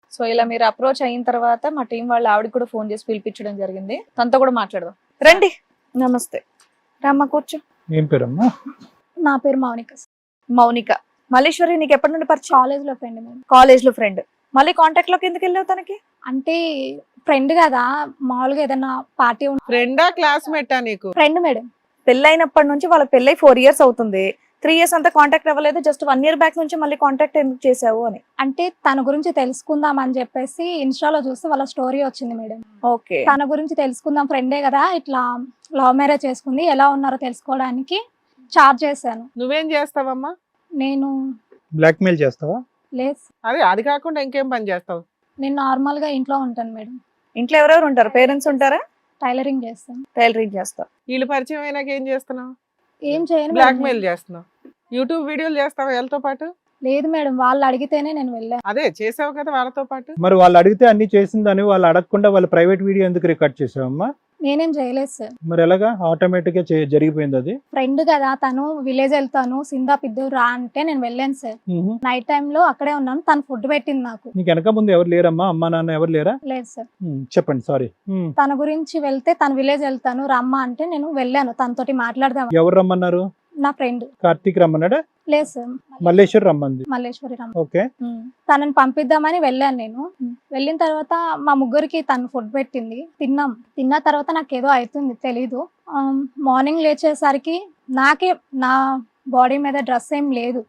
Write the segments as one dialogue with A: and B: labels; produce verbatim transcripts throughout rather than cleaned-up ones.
A: So ఇలా మీరు approach అయిన తర్వాత మా టీం వాళ్ళు ఆవిడకి కూడా ఫోన్ చేసి పిలిపించడం జరిగింది. తనతో కూడా మాట్లాడదాం. రండి. నమస్తే. రామ్మ కూర్చో.
B: ఏం పేరమ్మా?
C: నా పేరు మౌనిక.
A: మౌనిక. మల్లేశ్వరి నీకు ఎప్పటి నుండి పరిచయం?
C: కాలేజ్ లో ఫ్రెండ్ మేము.
A: కాలేజ్ లో ఫ్రెండ్. మళ్ళీ కాంటాక్ట్ లోకి ఎందుకు వెళ్ళావు తనకి?
C: అంటే ఫ్రెండ్ కదా, మామూలుగా ఏదైనా పార్టీ
D: ఫ్రెండా క్లాస్మేటా నీకు?
C: Friend madam.
A: పెళ్ళైనప్పటి నుంచి వాళ్ళ పెళ్ళై ఫోర్ ఇయర్స్ అవుతుంది. త్రీ ఇయర్స్ అంతా కాంటాక్ట్ అవ్వలేదు. జస్ట్ వన్ ఇయర్ బ్యాక్ నుంచి మళ్ళీ కాంటాక్ట్ ఎందుకు చేసావు అని.
C: అంటే తన గురించి తెలుసుకుందాం అని చెప్పేసి ఇన్స్టాలో చూస్తే వాళ్ళ స్టోరీ వచ్చింది మేడం.
A: ఓకే.
C: తన గురించి తెలుసుకుందాం, ఫ్రెండే కదా, ఇట్లా లవ్ మ్యారేజ్ చేసుకుంది, ఎలా ఉన్నారో తెలుసుకోవడానికి చార్జ్ చేశాను.
D: నువ్వేం చేస్తావమ్మా?
C: నేను
B: బ్లాక్ మెయిల్ చేస్తావా?
C: లేదు,
D: అదే అది కాకుండా ఇంకేం పని చేస్తావు?
C: నేను నార్మల్ గా ఇంట్లో ఉంటాను మేడం.
A: ఇంట్లో ఎవరెవరు ఉంటారు? పేరెంట్స్ ఉంటారా?
C: టైలరింగ్ చేస్తాను.
A: టైలరింగ్ చేస్తా.
D: వీళ్ళు పరిచయం అయినాక ఏం చేస్తున్నావు?
C: ఏం చేయను
D: బ్లాక్
C: మేడం.
D: మెయిల్ చేస్తున్నావు. యూట్యూబ్ వీడియోలు చేస్తావా వీళ్ళతో పాటు?
C: లేదు మేడం, వాళ్ళు అడిగితేనే నేను వెళ్ళాను.
D: అదే చేసావు కదా వాళ్ళతో పాటు.
B: మరి వాళ్ళు అడిగితే అన్ని చేసిందని వాళ్ళు అడగకుండా వాళ్ళు ప్రైవేట్ వీడియో ఎందుకు రికార్డ్ చేసావమ్మా?
C: నేనేం చేయలేదు సార్.
B: మరి ఎలాగా ఆటోమేటిక్ గా చే- జరిగిపోయింది అది?
C: ఫ్రెండ్ కదా, తను విలేజ్ వెళ్తాను సిందా పిద్దు రా అంటే నేను వెళ్ళాను సార్.
B: మ్హూ.
C: నైట్ టైమ్ లో అక్కడే ఉన్నాను, తను ఫుడ్ పెట్టింది నాకు.
B: నీకు వెనక ముందు ఎవరు లేరమ్మా? అమ్మా నాన్న ఎవరు లేరా?
C: లేదు సార్.
B: మ్, చెప్పండి. సారీ.
C: తన గురించి వెళ్తే తను విలేజ్ వెళ్తాను రమ్మా అంటే నేను వెళ్ళాను, తనతోటి మాట్లాడదాం.
B: ఎవరు రమ్మన్నారు?
C: నా ఫ్రెండ్.
B: కార్తీక్ రమ్మన్నాడా?
C: లేదు సార్,
B: మల్లేశ్వర్ రమ్మంది.
C: మల్లేశ్వరి రమ్మ.
B: ఓకే.
C: ఉమ్. తనని పంపిద్దామని వెళ్ళాను నేను. వెళ్ళిన తర్వాత మా ముగ్గురికి తను ఫుడ్ పెట్టింది, తిన్నాం. తిన్న తర్వాత నాకు ఏదో అవుతుంది తెలీదు. మార్నింగ్ లేచేసరికి నాకే నా బాడీ మీద డ్రెస్ ఏం లేదు.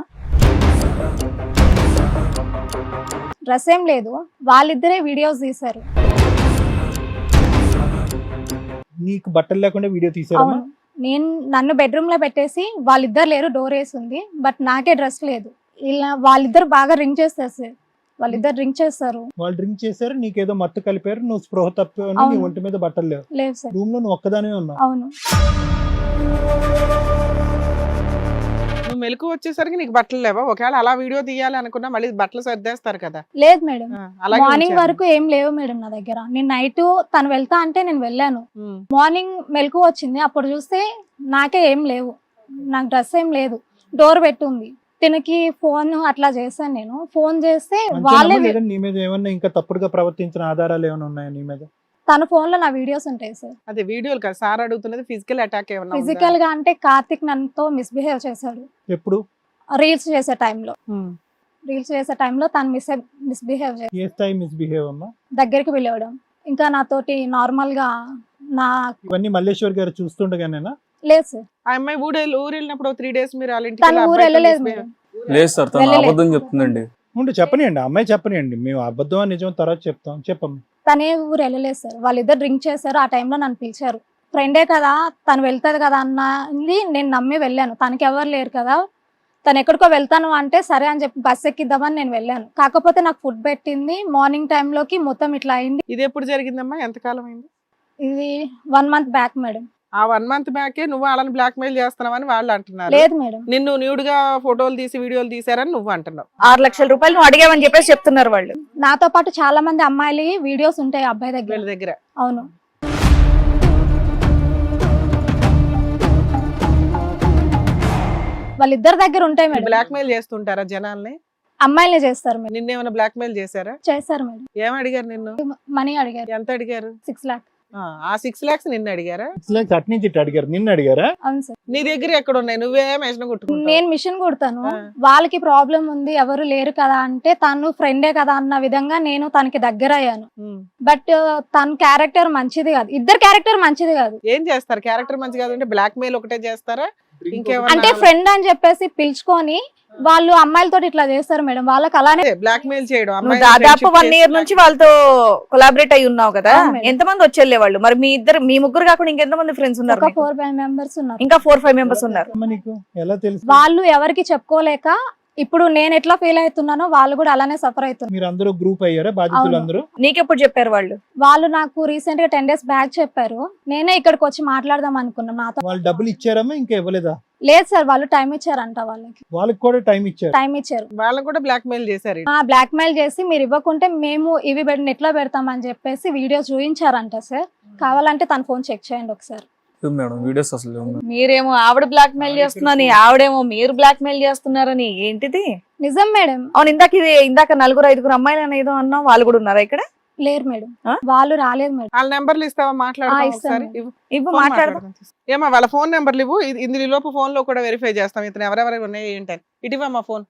C: డ్రెస్ ఏం లేదు. వాళ్ళిద్దరే వీడియోస్ తీశారు.
B: నీకు బట్టలు లేకుండా వీడియో తీసారమ్మా?
C: అవును, నేను నన్ను బెడ్రూమ్ లో పెట్టేసి వాళ్ళిద్దరు లేరు, డోర్ వేసి ఉంది, బట్ నాకే డ్రెస్ లేదు. ఇలా వాళ్ళిద్దరు బాగా రింగ్ చేస్తారు సార్, వాళ్ళిద్దరు రింగ్ చేస్తారు.
B: వాళ్ళు డ్రింక్ చేశారు, నీకేదో మత్తు కలిపారు, నువ్వు స్పృహ తప్పావు, నీ
C: అవును.
B: ఒంటి మీద బట్టలు లేవు,
C: లేదు సార్.
B: రూమ్ లో నువ్వు ఒక్కదానే ఉన్నావు.
C: అవును.
D: నువ్వు మెలకు వచ్చేసరికి నీకు బట్టలు లేవా? ఒకవేళ అలా వీడియో తీయాలి అనుకున్నా మళ్ళీ బట్టలు సర్దేస్తారు కదా.
C: లేదు మేడం,
D: ఆ, అలాగే
C: మార్నింగ్
D: ఉంచాను.
C: వరకు ఏం లేవు మేడం నా దగ్గర. నేను నైట్ తను వెళ్తా అంటే నేను వెళ్ళాను.
D: ఉమ్.
C: మార్నింగ్ మెలకు వచ్చింది, అప్పుడు చూస్తే నాకే ఏం లేవు, నాకు డ్రెస్ ఏం లేదు, డోర్ పెట్టుంది. తినకి ఫోన్ అట్లా చేశాను నేను. ఫోన్ చేస్తే వాళ్ళే,
B: అంతేనమ్మా? లేదా నీ మీద ఏమన్నా ఇంకా తప్పుడుగా ప్రవర్తించిన ఆధారాలు ఏమైనా ఉన్నాయా నీ మీద?
C: తన ఫోన్ లో నా వీడియోస్ ఉంటాయి సార్.
D: అదే వీడియోలు కదా సార్ అడుగుతున్నది, ఫిజికల్ అటాక్ ఏమన్నా ఉందా?
C: ఫిజికల్ గా అంటే కార్తిక్ నన్నుతో మిస్బిహేవ్ చేశాడు
B: ఎప్పుడు?
C: రీల్స్ చేసే టైంలో.
D: ఉమ్.
C: రీల్స్ చేసే టైంలో తను మిస్ మిస్బిహేవ్ చేసి
B: ఏ స్థాయి మిస్బిహేవ్ అమ్మా?
C: దగ్గరికి పిలవడం, ఇంకా నాతోటి నార్మల్ గా నా.
B: ఇవన్నీ మల్లేశ్వర్ గారు చూస్తుండగానేనా?
C: లేదు సార్,
D: ఆ అమ్మాయి ఊరు ఊరు వెళ్ళినప్పుడు త్రీ డేస్ మీరు వాళ్ళ ఇంటికి
C: తను
D: వెళ్ళి
C: ఊరు
D: అబ్బాయితో
C: వెళ్ళలేదు
D: misbehave-
C: మేడం.
E: లేదు సార్, తను
C: వెళ్ళలేదు.
E: అబద్ధం చెప్తుందండి.
B: ఉండు, చెప్పనియండి, అమ్మాయి చెప్పనియండి, మేము అబద్ధం అని నిజం తర్వాత చెప్తాం. చెప్పమ్మా.
C: తనే ఊరు వెళ్ళలేదు సార్, వాళ్ళిద్దరు డ్రింక్ చేశారు. ఆ టైంలో నన్ను పిలిచారు. ఫ్రెండే కదా, తను వెళ్తాది కదా అన్నది నేను నమ్మి వెళ్ళాను. తనకి ఎవరు లేరు కదా, తను ఎక్కడికో వెళ్తాను అంటే సరే అని చెప్పి బస్ ఎక్కిద్దామని నేను వెళ్ళాను. కాకపోతే నాకు ఫుడ్ పెట్టింది, మార్నింగ్ టైంలోకి మొత్తం ఇట్లా అయింది.
D: ఇది ఎప్పుడు జరిగిందమ్మా? ఎంతకాలం అయింది?
C: ఇది వన్ మంత్ బ్యాక్ మేడం.
D: ఆ వన్ మంత్ బ్యాకే నువ్వు వాళ్ళని బ్లాక్ మెయిల్ చేస్తున్నావని వాళ్ళు అంటున్నారు.
C: లేదు మేడం,
D: నిన్ను న్యూడ్ గా ఫోటోలు తీసి వీడియోలు తీసారని నువ్వు అంటున్నావు.
A: ఆరు లక్షల రూపాయలు నువ్వు అడిగావని చెప్పేసి చెప్తున్నారు వాళ్ళు.
C: నాతో పాటు చాలా మంది అమ్మాయిలు వీడియోస్ ఉంటాయి ఆ అబ్బాయి దగ్గర.
D: వీళ్ళ దగ్గర
C: అవును. వాళ్ళిద్దరి దగ్గర ఉంటాయి మేడం.
D: బ్లాక్ మెయిల్ చేస్తుంటారా జనాల్ని?
C: అమ్మాయిలే చేస్తారు మేడం.
D: నిన్నేమైనా బ్లాక్ మెయిల్ చేశారా?
C: చేస్తారు మేడం.
D: ఏం అడిగారు నిన్ను?
C: మనీ అడిగారు,
D: ఎంత అడిగారు?
C: సిక్స్ లాక్.
D: ఆ, ఆ సిక్స్ లాక్స్ నిన్ను అడిగారా?
B: అటు నుంచి ఇటు అడిగారు, నిన్ను అడిగారా?
C: అవును సార్.
D: నీ దగ్గర ఎక్కడ ఉన్నాయి? నువ్వే మెషిన్ కొట్టుకుంటావు.
C: నేను మిషన్ కుడతాను.
D: ఆ.
C: వాళ్ళకి ప్రాబ్లం ఉంది, ఎవరు లేరు కదా అంటే తను ఫ్రెండే కదా అన్న విధంగా నేను తనకి దగ్గర అయ్యాను.
D: ఉమ్.
C: బట్ తన క్యారెక్టర్ మంచిది కాదు, ఇద్దరు క్యారెక్టర్ మంచిది కాదు.
D: ఏం చేస్తారు? క్యారెక్టర్ మంచి కాదంటే బ్లాక్ మెయిల్ ఒకటే చేస్తారా?
C: అంటే
D: ఇంకేమన్నా
C: ఫ్రెండ్ అని చెప్పేసి పిలుచుకొని వాళ్ళు అమ్మాయిలతో ఇట్లా చేస్తారు మేడం. వాళ్ళకి అలానే
D: బ్లాక్ మెయిల్ చేయడం?
A: నువ్వు
D: అమ్మాయిని
A: దాదాపు
D: friendship
A: వన్ ఇయర్
D: చేసి
A: నుంచి వాళ్ళతో కొలాబరేట్ అయి ఉన్నావు కదా.
C: అవును మేడం.
A: ఎంతమంది వచ్చేళ్ళే వాళ్ళు? మరి మీ ఇద్దరు, మీ ముగ్గురు కాకుండా ఇంకెంతమంది ఫ్రెండ్స్ ఉన్నారు
C: ఒక
A: నీకు?
C: ఫోర్ ఫైవ్ మెంబర్స్ ఉన్నారు.
A: ఇంకా ఫోర్ ఫైవ్ మెంబర్స్ ఉన్నారు.
B: అమ్మ, నీకు ఎలా తెలుసు?
C: వాళ్ళు ఎవరికి చెప్పుకోలేక ఇప్పుడు నేను ఎట్లా ఫీల్ అవుతున్నానో వాళ్ళు కూడా అలానే సఫర్ అవుతున్నారు.
B: మీరు అందరూ గ్రూప్ అయ్యారా బాధితులు అందరూ?
A: నీకెప్పుడు చెప్పారు వాళ్ళు?
C: వాళ్ళు నాకు రీసెంట్ గా టెన్ డేస్ బ్యాక్ చెప్పారు. నేనే ఇక్కడికి వచ్చి మాట్లాడదాం అనుకున్నాం. నాతో
B: వాళ్ళు డబ్బులు ఇచ్చారమ్మా? ఇంకా ఇవ్వలేదా?
C: లేదు సార్, వాళ్ళు టైం ఇచ్చారంట. వాళ్ళకి
B: వాళ్ళకి కూడా టైం ఇచ్చారు.
C: టైం ఇచ్చారు.
D: వాళ్ళని కూడా బ్లాక్ మెయిల్ చేశారు.
C: ఆ బ్లాక్ మెయిల్ చేసి మీరు ఇవ్వకుంటే మేము ఇవి నెట్ లో పెడతామని చెప్పేసి వీడియోస్ చూపించారంట సార్. కావాలంటే తన ఫోన్ చెక్ చేయండి ఒకసారి.
E: లేవు మేడం, వీడియోస్ అసలు లేవు మేడం.
A: మీరేమో ఆవిడ బ్లాక్ మెయిల్ చేస్తున్నారని, ఆవిడేమో మీరు బ్లాక్ మెయిల్ చేస్తున్నారని, ఏంటిది?
C: నిజం మేడం.
A: అవును, ఇందాక ఇది ఇందాక నలుగురు ఐదుగురు అమ్మాయిలు అని ఏదో అన్నావు, వాళ్ళు కూడా ఉన్నారా ఇక్కడ?
C: లేరు మేడం,
A: ఆ?
C: వాళ్ళు రాలేదు మేడం.
D: వాళ్ళ నెంబర్లు ఇస్తావా?
C: ఆ,
D: మాట్లాడతావా
C: ఇస్తాను
D: ఒకసారి?
C: మేడం.
D: ఇవ్వు.
A: ఇవ్వు,
D: ఫోన్
A: మాట్లాడదాం.
D: మాట్లాడదాం. ఏమా వాళ్ళ ఫోన్ నెంబర్లు ఇవ్వు. ఇది- ఇందులో ఈ లోపు ఫోన్ లో కూడా వెరిఫై చేస్తాం ఇతను ఎవరెవరు ఉన్నాయి ఏంటని. ఇటువా మా ఫోన్.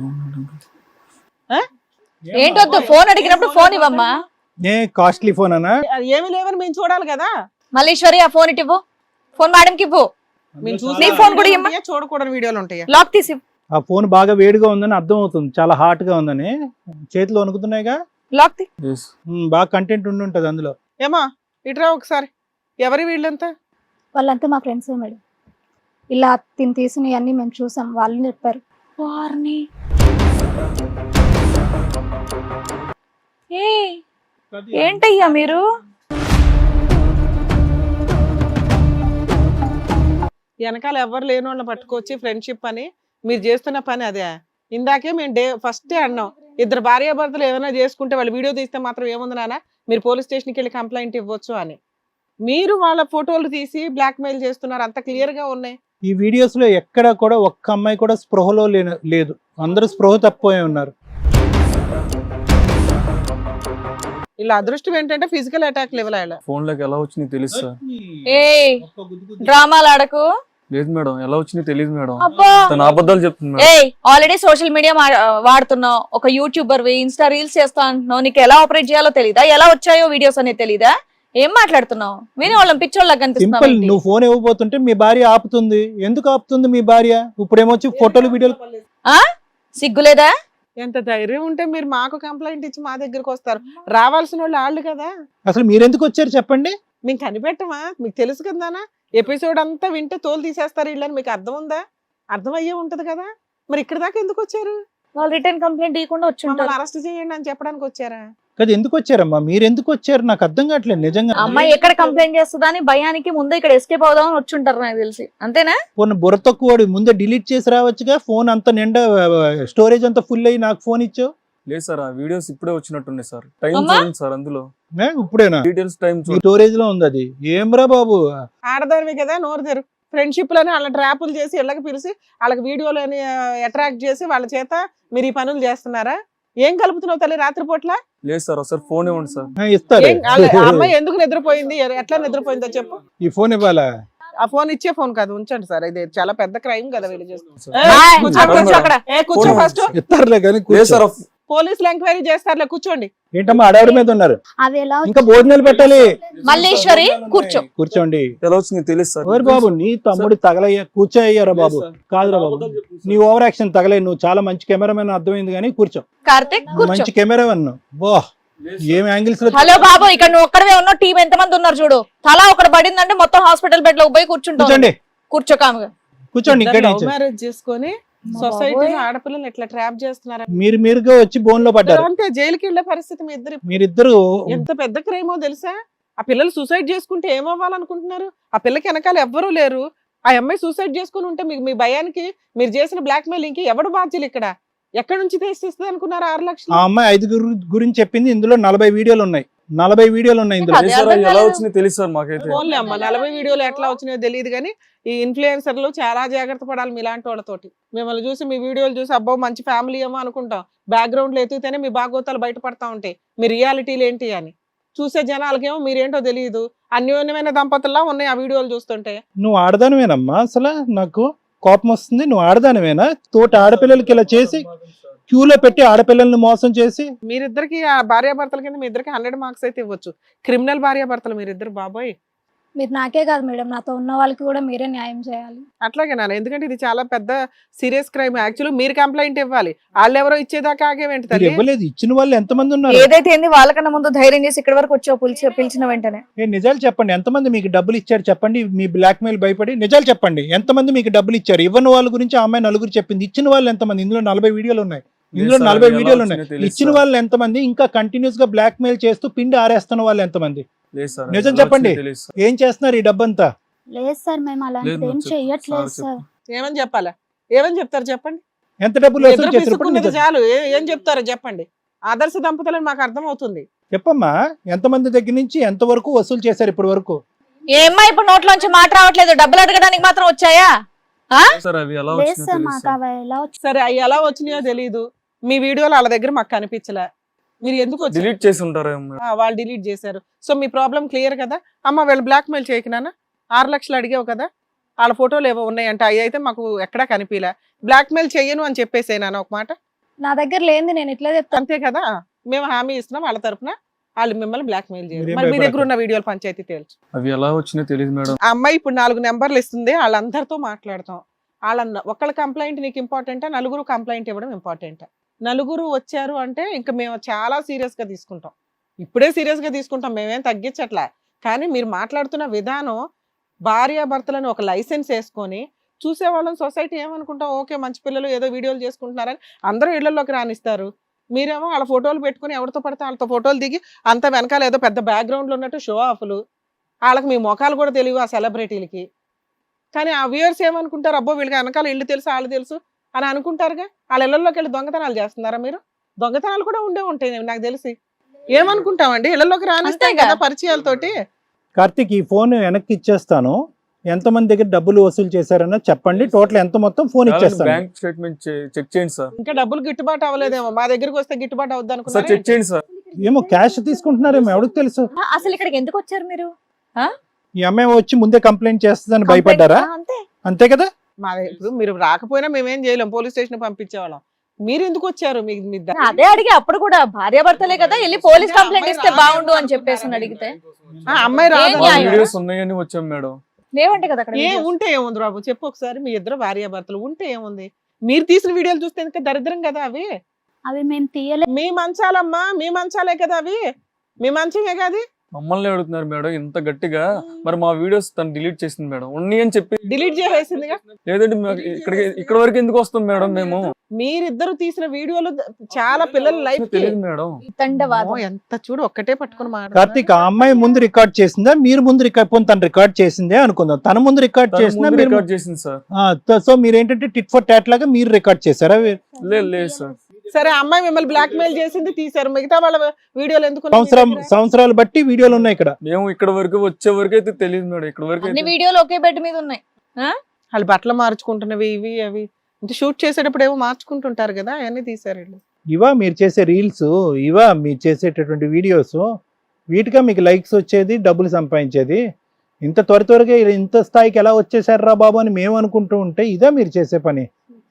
A: ఏంటొద్దు, ఫోన్ అడిగినప్పుడు ఫోన్ ఇవ్వమ్మా.
B: ఏ కాస్ట్లీ ఫోన్ అనా?
D: అది ఏమీ లేవని మేము చూడాలి కదా.
A: మల్లీశ్వరి, ఆ ఫోన్ ఇటు ఇవ్వు. ఫోన్ మేడంకి ఇవ్వు.
D: మేము
A: నీ
D: చూసే
A: ఫోన్ కూడా
D: వీడియోలు
A: ఇమ్మా.
D: ఉంటాయా, చూడకూడని వీడియోలు ఉంటాయా?
A: లాక్ తీసి ఇవ్వు.
B: ఆ ఫోన్ బాగా వేడిగా ఉందని అర్థం అవుతుంది, చాలా హాట్ గా ఉందని. చేతిలో వణుకుతున్నాయిగా.
A: లాక్ తీ.
E: Yes.
B: ఉమ్, బాగా కంటెంట్ ఉండి ఉంటది అందులో.
D: ఏమా ఇటురా ఒకసారి. ఎవరి వీళ్ళంతా?
C: వాళ్ళంతా మా ఫ్రెండ్స్ మేడం. ఇలా తిని తీసినవి అన్ని మేము చూసాం, వాళ్ళు చెప్పారు.
A: వారిని. ఏ ఏంటయ్యా మీరు?
D: వెనకాల ఎవరు లేని వాళ్ళని పట్టుకొచ్చి ఫ్రెండ్షిప్ అని మీరు చేస్తున్న పని అదే. ఇందాకే మేము డే ఫస్టే అన్నాం, ఇద్దరు భార్యాభర్తలు ఏమైనా చేసుకుంటే వాళ్ళు వీడియో తీస్తే మాత్రం ఏముంది నాన్న, మీరు పోలీస్ స్టేషన్కి వెళ్ళి కంప్లైంట్ ఇవ్వచ్చు అని. మీరు వాళ్ళ ఫోటోలు తీసి బ్లాక్ మెయిల్ చేస్తున్నారు, అంత క్లియర్ గా ఉన్నాయి.
B: ఈ వీడియోస్ లో ఎక్కడ కూడా ఒక్క అమ్మాయి కూడా స్పృహలో లేన- లేదు, అందరూ స్పృహ తప్పిపోయి ఉన్నారు.
D: ఇలా అదృష్టం ఏంటంటే ఫిజికల్ అటాక్ లెవెల్ అయ్యాల.
E: ఫోన్ లోకి ఎలా వచ్చింది తెలుసు సార్.
A: ఏ డ్రామాలు ఆడకు.
E: లేదు మేడం, ఎలా వచ్చింది తెలియదు మేడం.
A: అబ్బా,
E: తన అబద్ధాలు చెప్తుంది మేడం.
A: ఏ ఆల్రెడీ సోషల్ మీడియా వాడుతున్నావు, ఒక యూట్యూబర్ ఇన్స్టా రీల్స్ చేస్తా అంటున్నావు, నీకు ఎలా ఆపరేట్ చేయాలో తెలీదా? ఎలా వచ్చాయో వీడియోస్ అనేది తెలీదా? ఏం మాట్లాడుతున్నావు? విని వాళ్ళని పిచ్చోళ్ళకి
B: సింపుల్,
A: కనిపిస్తున్నావు.
B: నువ్వు ఫోన్ ఇవ్వబోతుంటే మీ భార్య ఆపుతుంది. ఎందుకు ఆపుతుంది మీ భార్య? ఇప్పుడు ఏమొచ్చి ఫోటోలు వీడియోలు.
A: సిగ్గులేదా?
D: ఎంత ధైర్యం ఉంటే మీరు మాకు కంప్లైంట్ ఇచ్చి మా దగ్గరకు వస్తారు? రావాల్సిన వాళ్ళు వాళ్ళు కదా.
B: అసలు మీరెందుకు వచ్చారు చెప్పండి?
D: మేము కనిపెట్టమా? మీకు తెలుసు కదానా, ఎపిసోడ్ అంతా వింటే తోలు తీసేస్తారు వీళ్ళని. మీకు అర్థం ఉందా? అర్థం అయ్యే ఉంటది కదా. మరి ఇక్కడ దాకా ఎందుకు వచ్చారు?
A: వాళ్ళు రిటర్న్ కంప్లైంట్ ఇవ్వకుండా వచ్చి
D: మమ్మల్ని
A: ఉంటారు.
D: అరెస్ట్ చేయండి అని చెప్పడానికి వచ్చారా?
B: కదా ఎందుకు వచ్చారమ్మా? మీరు ఎందుకు వచ్చారు నాకు అర్థం కావట్లేదు నిజంగా.
A: అమ్మాయి ఎక్కడ కంప్లైంట్ చేస్తుందా అని భయానికి ముందు ఇక్కడ ఎస్కేప్ అవుదామని వచ్చి ఉంటారు నాకు తెలిసి. అంతేనా?
B: ఫోన్ బుర్ర తక్కువ ముందే డిలీట్ చేసి రావచ్చుగా. ఫోన్ అంత నిండా స్టోరేజ్ అంతా ఫుల్ అయ్యి నాకు ఫోన్ ఇచ్చావు.
E: లేదు సార్, ఆ వీడియోస్ ఇప్పుడే వచ్చినట్టున్నాయి సార్. టైం
A: అమ్మా?
E: చూడండి సార్, అందులో
B: ఏ, ఇప్పుడేనా
E: డీటెయిల్స్ టైం
B: మీ
E: చూడండి.
B: స్టోరేజ్ లో ఉంది అది? ఏమ్రా బాబు,
D: ఆడదానివి కదా, నోరు తెరు. ఫ్రెండ్షిప్ లని వాళ్ళ ట్రాపులు చేసి ఇళ్ళకి పిలిచి వాళ్ళకి వీడియోలని అట్రాక్ట్ చేసి వాళ్ళ చేత మీరు ఈ పనులు చేస్తున్నారా? ఏం కలుపుతున్నావు తల్లి రాత్రిపూట్ల?
E: లేదు సార్, ఒకసారి ఫోన్ ఇవ్వండి సార్.
B: ఆ, ఇస్తారు.
D: ఏం- వాళ్ళ- ఆ అమ్మాయి ఎందుకు నిద్రపోయింది, ఎ- ఎట్లా నిద్రపోయిందో చెప్పు.
B: ఈ ఫోన్ ఇవ్వాలా?
D: ఆ ఫోన్ ఇచ్చే ఫోన్ కాదు, ఉంచండి సార్. ఇది చాలా పెద్ద క్రైమ్ కదా వీళ్ళు చేస్తున్నారు.
E: సార్.
D: ఏ,
A: బాయ్.
D: కూర్చో,
E: అక్కడ
D: కూర్చో అక్కడ. ఏ కూర్చో
E: ఫోన్
D: ఫస్ట్.
B: ఇస్తారులే కానీ
E: లేదు
B: కూర్చో.
E: సార్,
D: పోలీసులు ఎంక్వైరీ చేస్తారులే, కూర్చోండి.
B: ఏంటమ్మా అడవిడ మీద ఉన్నారు?
C: అవి ఎలా
B: ఇంకా భోజనాలు పెట్టాలి.
A: మల్లేశ్వరి కూర్చో.
B: కూర్చోండి.
E: ఎలా వచ్చింది తెలియదు సార్.
B: ఓరి బాబు, నీ తమ్ముడు తగలయ్యా, కూర్చోయ్యారా బాబు?
E: లేదు సార్.
B: కాదురా బాబు,
E: అబద్ధాలు చెప్తుంది
B: నీ
E: సార్.
B: Over action తగలే. నువ్వు చాలా మంచి కెమెరామెన్ అర్థమైంది కానీ కూర్చో.
A: కార్తిక్ కూర్చో.
B: మంచి కెమెరామెన్. బో,
E: లేదు
B: ఏం
E: సార్.
B: యాంగిల్స్ లో.
A: హలో బాబు, ఇక్కడ నువ్వు ఒక్కడవే ఉన్నావు, టీం ఎంత మంది ఉన్నారు చూడు. తలా ఒకటి పడిందంటే మొత్తం హాస్పిటల్ బెడ్ లో పోయి కూర్చుంటావు.
B: కూర్చోండి,
A: కూర్చో కాముగా.
B: కూర్చోండి. ఇక్కడ
D: లవ్ మ్యారేజ్ చేసుకొని సొసైటీలో ఆడపిల్లలు ఎట్లా ట్రాప్ చేస్తున్నారా?
B: మీరు మీరుగా వచ్చి బోన్ లో పడ్డారు.
D: అంటే జైలుకి వెళ్ళే పరిస్థితి మీ ఇద్దరు.
B: మీరిద్దరు
D: ఎంత పెద్ద క్రైమో తెలుసా? ఆ పిల్లలు సూసైడ్ చేసుకుంటే ఏమవ్వాలనుకుంటున్నారు? ఆ పిల్లకి వెనకాల ఎవ్వరూ లేరు. ఆ అమ్మాయి సూసైడ్ చేసుకుని ఉంటే మీకు మీ భయానికి మీరు చేసిన బ్లాక్ మెయిలింగ్ కి ఎవడు బాధ్యులు? ఇక్కడ ఎక్కడి నుంచి తెచ్చిస్తుంది అనుకున్నారు ఆరు లక్షలు?
B: ఆ అమ్మాయి ఐదుగురు గురించి చెప్పింది. ఇందులో నలభై వీడియోలు ఉన్నాయి. నలభై వీడియోలు ఉన్నాయి ఇందులో.
A: అదే
E: లేదు సార్,
A: అర్థం
E: ఎలా
A: కాలేదు.
E: వచ్చింది తెలియదు సార్ మాకైతే.
D: ఫోన్లే అమ్మ, నలభై వీడియోలు ఎట్లా వచ్చినాయో తెలియదు కానీ ఈ ఇన్ఫ్లుయెన్సర్లు చాలా జాగ్రత్త పడాలి మీలాంటి వాళ్ళతోటి. మిమ్మల్ని చూసి మీ వీడియోలు చూసి అబ్బో మంచి ఫ్యామిలీ ఏమో అనుకుంటాం. బ్యాక్గ్రౌండ్ లో ఎత్తుతేనే మీ బాగోతాలు బయటపడతా ఉంటాయి. మీ రియాలిటీలు ఏంటి అని చూసే జనాలకేమో మీరేంటో తెలియదు. అన్యోన్యమైన దంపతుల్లా ఉన్నాయి ఆ వీడియోలు చూస్తుంటే.
B: నువ్వు ఆడదానివేనమ్మా? అసలు నాకు కోపం వస్తుంది. నువ్వు ఆడదానివేనా? తోటి ఆడపిల్లలకి ఇలా చేసి క్యూలో పెట్టి ఆడపిల్లల్ని మోసం చేసి.
D: మీరిద్దరికి ఆ భార్యాభర్తల కింద మీ ఇద్దరికి హండ్రెడ్ మార్క్స్ అయితే ఇవ్వచ్చు. క్రిమినల్ భార్యాభర్తలు మీరిద్దరు బాబోయ్.
C: మీరు నాకే కాదు మేడం, నాతో ఉన్న వాళ్ళకి కూడా మీరే న్యాయం చేయాలి.
D: అట్లాగే నాన్న, ఎందుకంటే ఇది చాలా పెద్ద సీరియస్ క్రైమ్. యాక్చువల్లీ మీరు కంప్లైంట్ ఇవ్వాలి. వాళ్ళు ఎవరో ఇచ్చేదాకా ఆగేవేంటి
B: మీరు
D: తల్లి?
B: ఇవ్వలేదు. ఇచ్చిన వాళ్ళు ఎంతమంది ఉన్నారు?
A: ఏదైతే ఏంది వాళ్ళకన్నా ముందు ధైర్యం చేసి ఇక్కడ వరకు వచ్చావు, పిలిచి పిలిచిన వెంటనే.
B: ఏ నిజాలు చెప్పండి. ఎంతమంది మీకు డబ్బులు ఇచ్చారు చెప్పండి. మీ బ్లాక్ మెయిల్ భయపడి నిజాలు చెప్పండి. ఎంతమంది మీకు డబ్బులు ఇచ్చారు? ఇవ్వని వాళ్ళ గురించి ఆ అమ్మాయి నలుగురు చెప్పింది. ఇచ్చిన వాళ్ళు ఎంతమంది? ఇందులో నలభై వీడియోలు ఉన్నాయి. ఇందులో
E: లేదు సార్,
B: నలభై
E: ఎలా
B: వీడియోలు
E: వచ్చిందో
B: ఉన్నాయి.
E: తెలియదు
B: ఇచ్చిన
E: సార్.
B: వాళ్ళు ఎంతమంది? ఇంకా కంటిన్యూస్ గా బ్లాక్ మెయిల్ చేస్తూ పిండి ఆరేస్తున్న వాళ్ళు ఎంతమంది?
E: లేదు సార్,
B: నిజం
E: ఎలా
B: చెప్పండి.
E: వచ్చిందో తెలియదు సార్.
B: ఏం చేస్తున్నారు ఈ డబ్బంతా?
C: లేదు సార్, మేము
E: లేదు
C: అలాంటిది ఏం
E: మేడం, చెప్పు.
C: చెయ్యట్లేదు
E: సార్
C: సార్.
D: ఏమని చెప్పాలా? ఏమని చెప్తారు చెప్పండి?
B: ఎంత డబ్బులు
D: మీ
B: వసూలు
D: ఇద్దరు
B: చేసినప్పుడు
D: పిసుక్కున్నది
B: నిజం
D: చాలు. ఏ- ఏం చెప్తారో చెప్పండి. ఆదర్శ దంపతులని మాకు అర్థం అవుతుంది.
B: చెప్పమ్మా. ఎంతమంది దగ్గర నుంచి ఎంత వరకు వసూలు చేశారు ఇప్పటి వరకు?
A: ఏమ్మా ఇప్పుడు నోట్లోంచి మాట రావట్లేదు, డబ్బులు అడగడానికి మాత్రం వచ్చాయా? ఆ?
E: సార్ అవి ఎలా
F: లేదు
E: వచ్చినాయో
F: సార్
E: తెలియదు
F: మాకు
E: సార్.
F: అవి ఎలా వచ్చి
D: సరే అవి ఎలా వచ్చినాయో తెలియదు, మీ వీడియోలు వాళ్ళ దగ్గర మాకు కనిపించలే, మీరు ఎందుకు వచ్చారు?
E: డిలీట్ చేసి ఉంటారేమో మేడం.
D: ఆ, వాళ్ళు డిలీట్ చేశారు. సో మీ ప్రాబ్లం క్లియర్ కదా. అమ్మ వీళ్ళు బ్లాక్ మెయిల్ చేయకున్నానా, ఆరు లక్షలు అడిగావు కదా, వాళ్ళ ఫోటోలు ఏవో ఉన్నాయంట, అవి అయితే మాకు ఎక్కడా కనిపించలే, బ్లాక్ మెయిల్ చెయ్యను అని చెప్పేసేనా ఒక మాట,
C: నా దగ్గర లేనిది నేను ఇట్లా చెప్తాను.
D: అంతే కదా. మేము హామీ ఇస్తున్నాం వాళ్ళ తరపున, వాళ్ళు మిమ్మల్ని బ్లాక్ మెయిల్ చేయరు.
B: మీరేం
D: మరి మీ దగ్గర
B: భయపడకండి.
D: ఉన్న వీడియోలు పంచాయతీ తేల్చు.
E: అవి ఎలా వచ్చినాయో తెలియదు మేడం.
D: ఆ అమ్మాయి ఇప్పుడు నాలుగు నెంబర్లు ఇస్తుంది, వాళ్ళందరితో మాట్లాడతాం. వాళ్ళ ఒకళ్ళ కంప్లైంట్ నీకు ఇంపార్టెంటా, నలుగురు కంప్లైంట్ ఇవ్వడం ఇంపార్టెంటా? నలుగురు వచ్చారు అంటే ఇంకా మేము చాలా సీరియస్ గా తీసుకుంటాం, ఇప్పుడే సీరియస్ గా తీసుకుంటాం, మేమేం తగ్గించట్లే. కానీ మీరు మాట్లాడుతున్న విధానం, భార్యాభర్తలను ఒక లైసెన్స్ వేసుకొని చూసేవాళ్ళని సొసైటీ ఏమనుకుంటాం, ఓకే మంచి పిల్లలు ఏదో వీడియోలు చేసుకుంటున్నారని అందరూ ఇళ్లలోకి రానిస్తారు. మీరేమో వాళ్ళ ఫోటోలు పెట్టుకుని ఎవరితో పడితే వాళ్ళతో ఫోటోలు దిగి అంత వెనకాల ఏదో పెద్ద బ్యాక్గ్రౌండ్లో ఉన్నట్టు షో ఆఫ్లు, వాళ్ళకి మీ ముఖాలు కూడా తెలియవు ఆ సెలబ్రిటీలకి. కానీ ఆ వ్యూయర్స్ ఏమనుకుంటారు, అబ్బో వీళ్ళకి వెనకాల ఇల్లు తెలుసు వాళ్ళు తెలుసు అని అనుకుంటారుగా. వాళ్ళ ఇళ్లలోకి వెళ్ళి దొంగతనాలు చేస్తున్నారా మీరు? దొంగతనాలు కూడా ఉండే ఉంటాయి నాకు తెలిసి. ఏమనుకుంటామండి, ఇళ్లలోకి రానిస్తాం
A: అంతేగా.
D: కదా పరిచయాలతోటి.
B: కార్తీక్ ఈ ఫోన్ వెనక్కి ఇచ్చేస్తాను, ఎంతమంది దగ్గర డబ్బులు వసూలు చేశారన్న చెప్పండి, టోటల్ ఎంత మొత్తం ఫోన్ ఇచ్చేస్తాను.
E: బ్యాంక్ స్టేట్మెంట్ చెక్ చేయండి సార్.
D: ఇంకా డబ్బులు గిట్టుబాటు అవ్వలేదేమో, మా దగ్గరికి వస్తే గిట్టుబాటు అవుద్ది
E: సార్
D: అనుకున్నా.
E: చెక్ చేయండి సార్.
B: ఏమో క్యాష్ తీసుకుంటున్నారేమో ఎవరికి తెలుసు.
A: ఆ, అసలు ఇక్కడికి ఎందుకు వచ్చారు మీరు?
B: ఈ అమ్మాయి వచ్చి ముందే కంప్లైంట్ చేస్తుందని భయపడ్డారా?
A: ఆ, అంతే.
B: అంతే కదా.
D: మా ఇప్పుడు మీరు రాకపోయినా మేమేం చేయలేం, పోలీస్ స్టేషన్ పంపించేవాళ్ళం. మీరు ఎందుకు వచ్చారు? మీకు మీ ద-
A: అదే అడిగి అప్పుడు కూడా భార్యాభర్తలే కదా, వెళ్ళి పోలీస్ కంప్లైంట్ ఇస్తే బాగుండు అని చెప్పేసి అని అడిగితే
D: ఆ, అమ్మాయి రాదు.
A: ఏం
E: మా
A: న్యాయం?
E: వీడియోస్ ఉన్నాయని వచ్చాం మేడం.
A: లేవంటే కదా అక్కడ
D: ఏ
A: videos.
D: ఉంటే ఏముంది బాబు చెప్పు ఒకసారి, మీ ఇద్దరు భార్యాభర్తలు ఉంటే ఏముంది? మీరు తీసిన వీడియోలు చూస్తే ఇంకా దరిద్రం కదా అవి.
F: అవి మేము తీయలేదు.
D: మీ మంచాలమ్మా, మీ మంచాలే కదా అవి, మీ మంచమే కాదు.
E: మమ్మల్ని అడుగుతున్నారు మేడం ఇంత గట్టిగా. మరి మా వీడియోస్ తను డిలీట్ చేసింది మేడం, ఉన్నాయి అని చెప్పి.
D: డిలీట్ చేసేసిందిగా.
E: లేదంటే మాకు ఇక్కడికి ఇక్కడ వరకు ఎందుకు వస్తాం మేడం మేము?
D: మీరిద్దరు తీసిన వీడియోలు ద- చాలా పిల్లల లైఫ్
E: తెలియదు మేడం.
A: తండవాదం.
D: ఎంత చూడు ఒక్కటే పట్టుకుని మాట.
B: కార్తీక్ ఆ అమ్మాయి ముందు రికార్డ్ చేసిందా, మీరు ముందు రికార్డ్ పోనీ తను రికార్డ్ చేసిందే అనుకుందాం, తన ముందు రికార్డ్
E: తను
B: చేసిందా
E: ముందు
B: మీరు?
E: రికార్డ్ చేసింది సార్.
B: ఆ, త- సో మీరు ఏంటంటే టిట్ ఫర్ టాట్ లాగా మీరు రికార్డ్ చేశారా?
E: లేదు లేదు సార్.
D: సరే అమ్మాయి మిమ్మల్ని బ్లాక్ మెయిల్ చేసింది, తీశారు, మిగతా వాళ్ళ వీడియోలు ఎందుకు ఉన్నాయి మీ
B: సంవత్సరం
D: దగ్గర?
B: సంవత్సరాలు బట్టి వీడియోలు ఉన్నాయి ఇక్కడ.
E: మేము ఇక్కడ వరకు వచ్చే వరకు అయితే తెలియదు మేడం. ఇక్కడ వరకు
A: అన్ని
E: అయితే
A: వీడియోలు ఒకే బెడ్ మీద ఉన్నాయి.
D: వాళ్ళు బట్టలు మార్చుకుంటున్నవి ఇవి అవి అంటే షూట్ చేసేటప్పుడు ఏమో మార్చుకుంటుంటారు కదా, అవన్నీ తీసారు వీళ్ళు.
B: ఇవా మీరు చేసే రీల్స్, ఇవా మీరు చేసేటటువంటి వీడియోస్, వీటిగా మీకు లైక్స్ వచ్చేది, డబ్బులు సంపాదించేది. ఇంత త్వర త్వరగా ఇంత స్థాయికి ఎలా వచ్చేసారా బాబు అని మేము అనుకుంటూ ఉంటే ఇదా మీరు చేసే పని?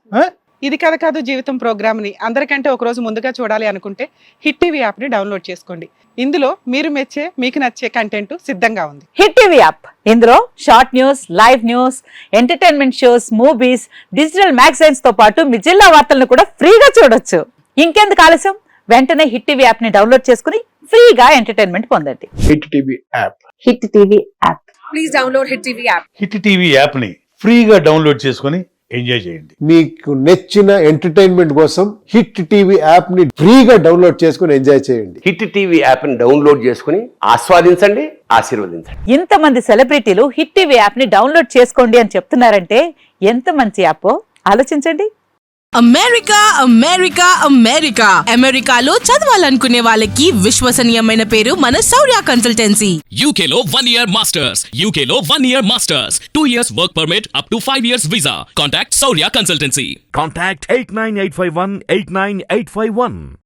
D: ఇది కథ కాదు జీవితం ప్రోగ్రామ్ ని అందరికంటే ఒక రోజు ముందుగా చూడాలి అనుకుంటే హిట్ టీవీ యాప్ ని డౌన్లోడ్ చేసుకోండి. ఇందులో మీరు మెచ్చే మీకు నచ్చే కంటెంట్ సిద్ధంగా ఉంది.
G: హిట్ టీవీ యాప్ ఇందులో short news, live news, entertainment shows, movies, digital magazines తో పాటు మీ జిల్లా వార్తలను కూడా ఫ్రీగా చూడొచ్చు. ఇంకెందుకు ఆలస్యం, వెంటనే హిట్ టీవీ యాప్ ని డౌన్లోడ్ చేసుకుని ఫ్రీగా ఎంటర్టైన్మెంట్ పొందండి.
H: Hit TV app
G: Hit TV app.
A: Please download Hit TV app.
H: Hit TV app ని ఫ్రీగా డౌన్లోడ్ చేసుకొని ఎంజాయ్ చేయండి.
I: మీకు నచ్చిన ఎంటర్టైన్మెంట్ కోసం హిట్ టీవీ యాప్ ని ఫ్రీగా డౌన్లోడ్ చేసుకుని ఎంజాయ్ చేయండి.
J: హిట్ టీవీ యాప్ ని డౌన్లోడ్ చేసుకుని ఆస్వాదించండి, ఆశీర్వదించండి.
G: ఇంతమంది సెలబ్రిటీలు హిట్ టీవీ యాప్ ని డౌన్లోడ్ చేసుకోండి అని చెప్తున్నారంటే ఎంత మంచి యాప్ ఆలోచించండి.
K: అమెరికా అమెరికా అమెరికా అమెరికాలో చదవాలనుకునే వాళ్ళకి విశ్వసనీయమైన పేరు మన శౌర్య కన్సల్టెన్సీ.
L: యూకేలో వన్ ఇయర్ మాస్టర్స్ యూకేలో one year masters two years work permit up to five years visa. Contact Shaurya consultancy.
H: Contact eight nine eight five one eight nine eight five one.